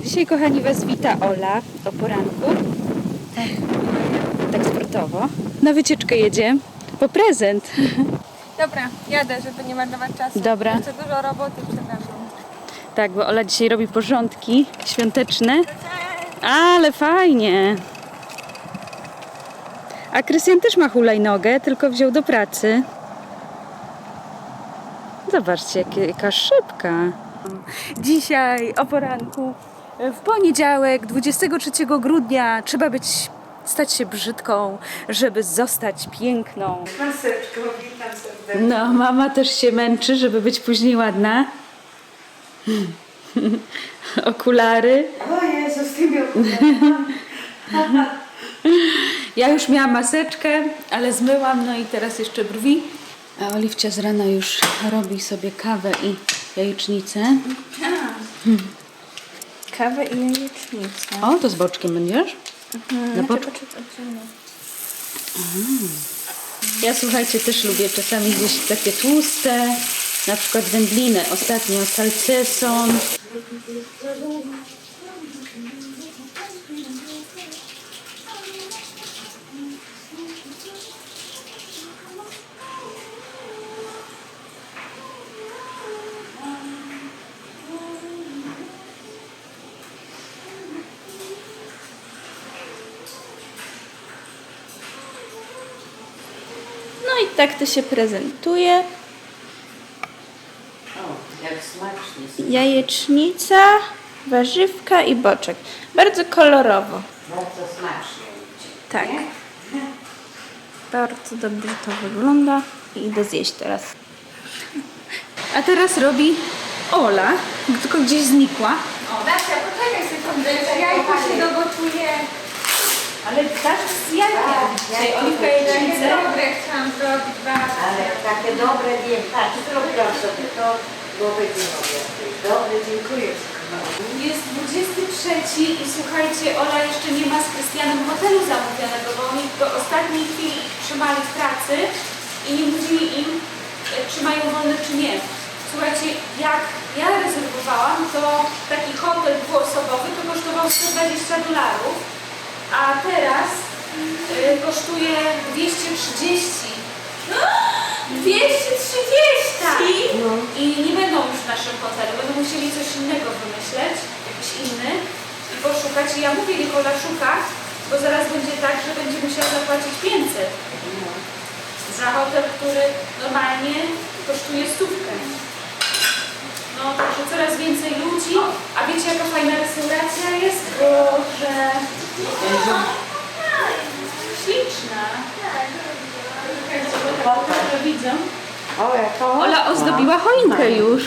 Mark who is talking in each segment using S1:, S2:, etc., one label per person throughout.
S1: Dzisiaj, kochani, Was wita Ola o poranku. Tak sportowo. Na wycieczkę jedzie po prezent.
S2: Dobra, jadę, żeby nie marnować czasu.
S1: Dobra.
S2: Jeszcze dużo roboty przede mną.
S1: Tak, bo Ola dzisiaj robi porządki świąteczne. Ale fajnie. A Krystian też ma hulajnogę, tylko wziął do pracy. Zobaczcie, jaka szybka. Dzisiaj o poranku, w poniedziałek, 23 grudnia, trzeba stać się brzydką, żeby zostać piękną.
S3: Maseczko, witam serdecznie.
S1: No, mama też się męczy, żeby być później ładna. Okulary.
S3: O Jezu, z tymi okularami.
S1: Ja już miałam maseczkę, ale zmyłam, no i teraz jeszcze brwi. A Oliwcia z rana już robi sobie kawę i jajecznicę.
S2: Kawę i jajecznicę.
S1: O, to z boczkiem będziesz? Na boczku. Ja, słuchajcie, też lubię czasami gdzieś takie tłuste, na przykład wędliny. Ostatnio salceson.
S2: No i tak to się prezentuje.
S3: O, jak smacznie.
S2: Jajecznica, warzywka i boczek. Bardzo kolorowo.
S3: Bardzo smacznie.
S2: Tak. Bardzo dobrze to wygląda. I idę zjeść teraz.
S1: A teraz robi Ola, tylko gdzieś znikła.
S2: O, Dacia, poczekaj sekundę, jajko się dogotuje.
S1: Ale tak z jajkiem. Dzisiaj Oliwka jajecznicę.
S2: Dobre chciałam zrobić bardzo.
S3: Ale takie dobre, wiem, patrz, zrobiłam sobie to, bo będzie mogła. Dobre, dziękuję.
S1: Jest 23 i słuchajcie, Ola jeszcze nie ma z Krystianem hotelu zamówionego, bo oni do ostatniej chwili ich trzymali w pracy i nie mówili im, czy mają wolne, czy nie. Słuchajcie, jak ja rezerwowałam, to taki hotel dwuosobowy to kosztował $120, a teraz kosztuje 230. 230! I nie będą już w naszym hotelu, będą musieli coś innego wymyśleć, jakiś inny i poszukać. I ja mówię, Nikola szuka, bo zaraz będzie tak, że będzie musiała zapłacić 500 za hotel, który normalnie kosztuje 100. No, także coraz więcej ludzi. A wiecie, jaka fajna restauracja jest? Boże! Śliczna! Dobrze widzę.
S3: O, jako?
S1: Ola ozdobiła choinkę już.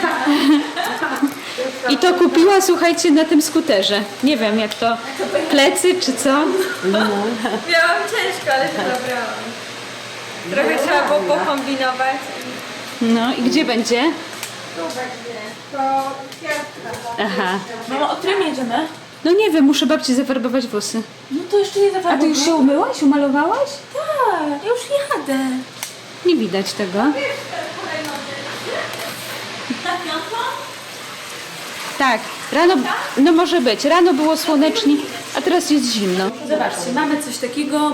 S1: I to kupiła, słuchajcie, na tym skuterze. Nie wiem, jak to, plecy czy co?
S2: Miałam ciężko, ale to dobrałam. Trochę trzeba było pokombinować.
S1: No i gdzie będzie?
S2: Tu będzie. To kwiatka.
S1: Aha.
S2: Mamo, o którym jedziemy?
S1: No nie wiem, muszę babci zafarbować włosy.
S2: No to jeszcze nie
S1: A ty już się umyłaś, umalowałaś?
S2: Tak, ja już jadę.
S1: Nie widać tego. Tak, rano, no może być. Rano było słonecznie, a teraz jest zimno. Zobaczcie, mamy coś takiego.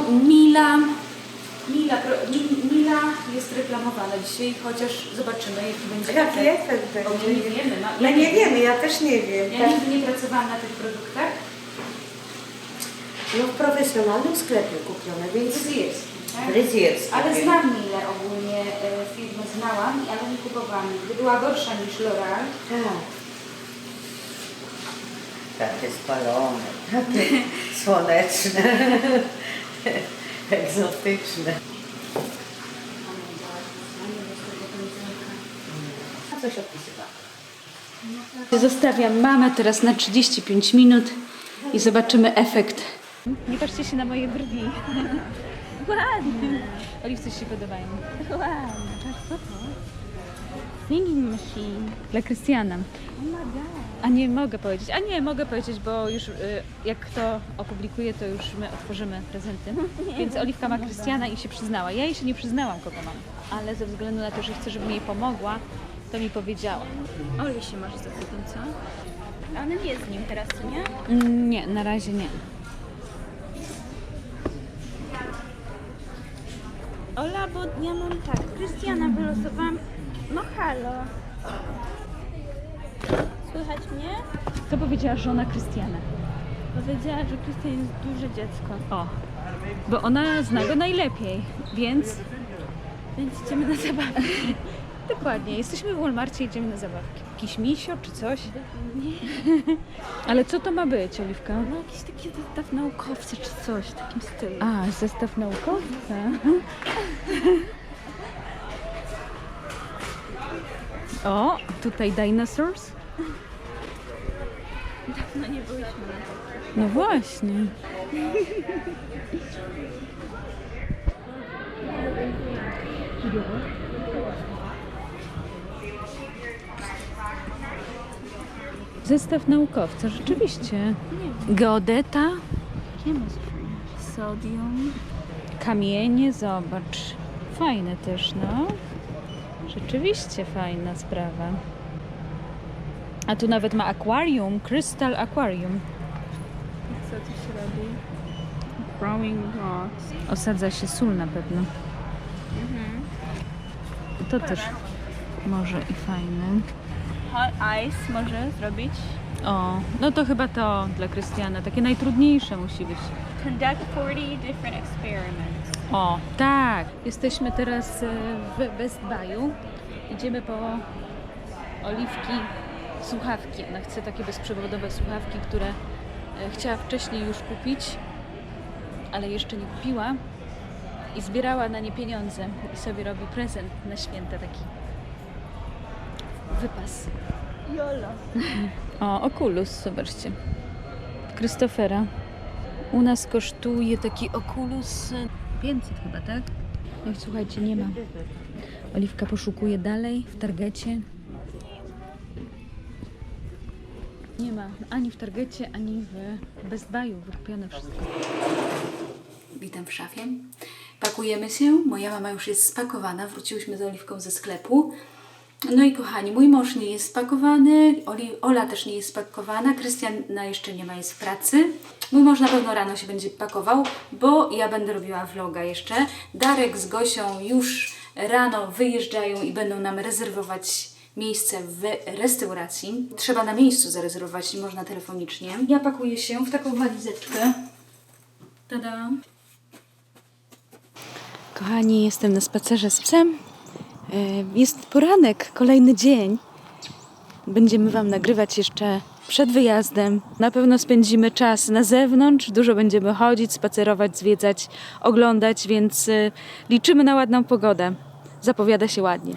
S1: Mila jest reklamowana dzisiaj, chociaż zobaczymy, jaki będzie
S3: Jaki
S1: efekt.
S3: efekt
S1: Bo my
S3: będzie?
S1: nie wiemy.
S3: My nie wiemy, ja też nie wiem.
S1: Ja nigdy nie pracowałam na tych produktach.
S3: No w profesjonalnym sklepie kupione, więc
S1: Fryzjerski, tak?
S3: fryzjerskie.
S1: Ale znam Milę ogólnie, firmę znałam, ale nie kupowałam. Gdy była gorsza niż L'Oreal.
S3: Tak. Takie spalone, takie słoneczne, egzotyczne. A coś opisywałam.
S1: Zostawiam mamę teraz na 35 minut i zobaczymy efekt. Nie patrzcie się na moje brwi. Ładnie. Oliwce się podobają. Ładnie. Patrz, co to? Singing machine. Dla Krystiana. A nie mogę powiedzieć. A nie, mogę powiedzieć, bo już jak to opublikuję, to już my otworzymy prezenty. Więc Oliwka ma Krystiana i się przyznała. Ja jej się nie przyznałam, kogo mam. Ale ze względu na to, że chcę, żebym jej pomogła, to mi powiedziała. Oli się masz za co?
S2: A ona nie jest z nim teraz, co nie?
S1: Nie, na razie nie.
S2: Ola, bo ja mam tak, Krystiana wylosowałam. No halo. Słychać mnie?
S1: To powiedziała żona Krystiana.
S2: Powiedziała, że Krystian jest duże dziecko.
S1: O, bo ona zna go najlepiej, więc
S2: Więc idziemy na zabawę.
S1: dokładnie, jesteśmy w Walmarcie, idziemy na zabawki. Jakiś misio czy coś? Ale co to ma być, Oliwka?
S2: No jakiś taki zestaw naukowcy czy coś w takim stylu.
S1: A, zestaw naukowca. O, tutaj dinosaurs?
S2: No nie byliśmy na to.
S1: No właśnie. Zestaw naukowca, rzeczywiście. Geodeta,
S2: Chemistry. Sodium.
S1: kamienie, zobacz. Fajne też, no. Rzeczywiście fajna sprawa. A tu nawet ma akwarium, Crystal Aquarium.
S2: Co tu się robi? Growing rocks.
S1: Osadza się sól na pewno. To też może i fajne.
S2: Hot ice może zrobić.
S1: O, no to chyba to dla Krystiana. Takie najtrudniejsze musi być.
S2: Conduct 40 different experiments.
S1: O, tak. Jesteśmy teraz w Best Buy'u. Idziemy po Oliwki słuchawki. Ona chce takie bezprzewodowe słuchawki, które chciała wcześniej już kupić, ale jeszcze nie kupiła. I zbierała na nie pieniądze. I sobie robi prezent na święta taki wypas.
S2: Jolo.
S1: O, Oculus, zobaczcie. Christophera. U nas kosztuje taki Oculus 500 chyba, tak? No i słuchajcie, nie ma. Oliwka poszukuje dalej w Targecie. Nie ma ani w Targecie, ani w Best Buy'u. Wykupione wszystko. Witam w szafie. Pakujemy się. Moja mama już jest spakowana. Wróciłyśmy z Oliwką ze sklepu. No i kochani, mój mąż nie jest spakowany, Ola też nie jest spakowana, Krystian jeszcze nie ma, jest w pracy. Mój mąż na pewno rano się będzie pakował, bo ja będę robiła vloga jeszcze. Darek z Gosią już rano wyjeżdżają i będą nam rezerwować miejsce w restauracji. Trzeba na miejscu zarezerwować, nie można telefonicznie. Ja pakuję się w taką walizeczkę. Tada! Kochani, jestem na spacerze z psem. Jest poranek, kolejny dzień. Będziemy Wam nagrywać jeszcze przed wyjazdem. Na pewno spędzimy czas na zewnątrz. Dużo będziemy chodzić, spacerować, zwiedzać, oglądać, więc liczymy na ładną pogodę. Zapowiada się ładnie.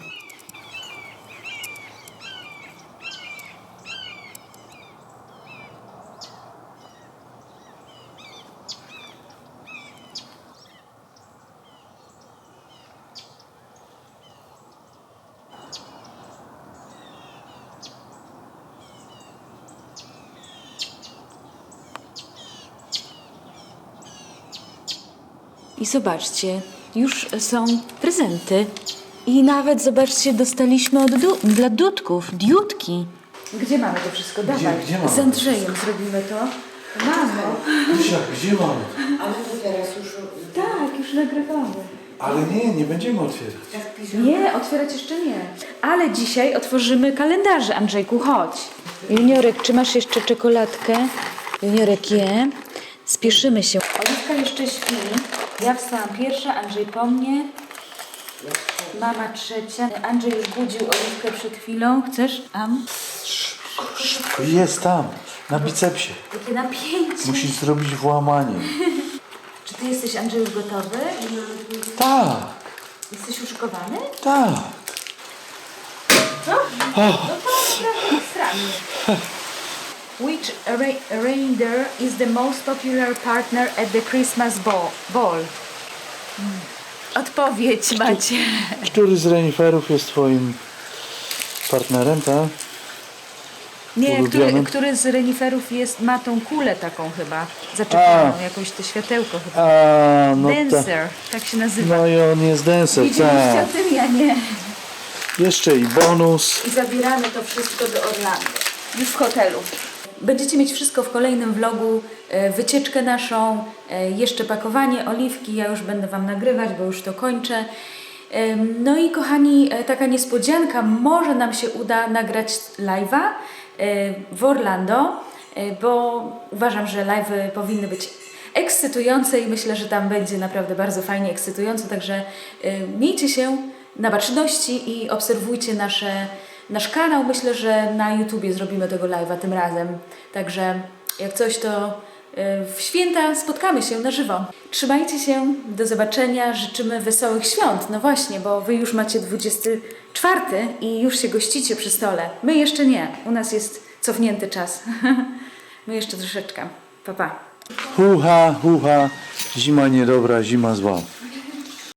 S1: I zobaczcie, już są prezenty. I nawet, zobaczcie, dostaliśmy dla Dudków, Diutki. Gdzie mamy to wszystko? Dawaj.
S4: Gdzie mamy?
S1: Z Andrzejem zrobimy to. Mamo.
S4: Krysia, gdzie mamy?
S3: Ale to teraz już...
S1: Tak, już nagrywamy.
S4: Ale nie będziemy otwierać.
S1: Nie, otwierać jeszcze nie. Ale dzisiaj otworzymy kalendarze, Andrzejku, chodź. Juniorek, czy masz jeszcze czekoladkę? Juniorek je. Spieszymy się. Oliwka jeszcze śpi. Ja wstałam pierwsza, Andrzej po mnie. Mama trzecia. Andrzej już budził Oliwkę przed chwilą. Chcesz? Am?
S4: Jest tam, na bicepsie.
S1: Jakie napięcie.
S4: Musisz zrobić włamanie.
S1: Czy ty jesteś, Andrzej, już gotowy?
S4: Tak,
S1: Jesteś uszykowany?
S4: tak.
S1: Which reindeer is the most popular partner at the Christmas ball? Odpowiedź macie.
S4: Który z reniferów jest twoim partnerem, tak?
S1: Nie,
S4: Ulubiony?
S1: który z reniferów ma tą kulę taką chyba, zaczepioną, jakąś to światełko chyba.
S4: A, no tak.
S1: Dancer, tak się nazywa.
S4: No i on jest dancer,
S1: Widzieliście
S4: tak.
S1: o tym? Ja nie.
S4: Jeszcze i bonus.
S1: I zabieramy to wszystko do Orlando. Już w hotelu. Będziecie mieć wszystko w kolejnym vlogu, wycieczkę naszą, jeszcze pakowanie, oliwki, ja już będę Wam nagrywać, bo już to kończę. No i kochani, taka niespodzianka, może nam się uda nagrać live'a w Orlando, bo uważam, że live'y powinny być ekscytujące i myślę, że tam będzie naprawdę bardzo fajnie ekscytująco, także miejcie się na baczności i obserwujcie nasz kanał. Myślę, że na YouTubie zrobimy tego live'a tym razem, także jak coś to w święta spotkamy się na żywo. Trzymajcie się, do zobaczenia, życzymy wesołych świąt. No właśnie, bo Wy już macie 24 i już się gościcie przy stole. My jeszcze nie, u nas jest cofnięty czas. My jeszcze troszeczkę. Pa, pa.
S4: Hucha, zima niedobra, zima zła.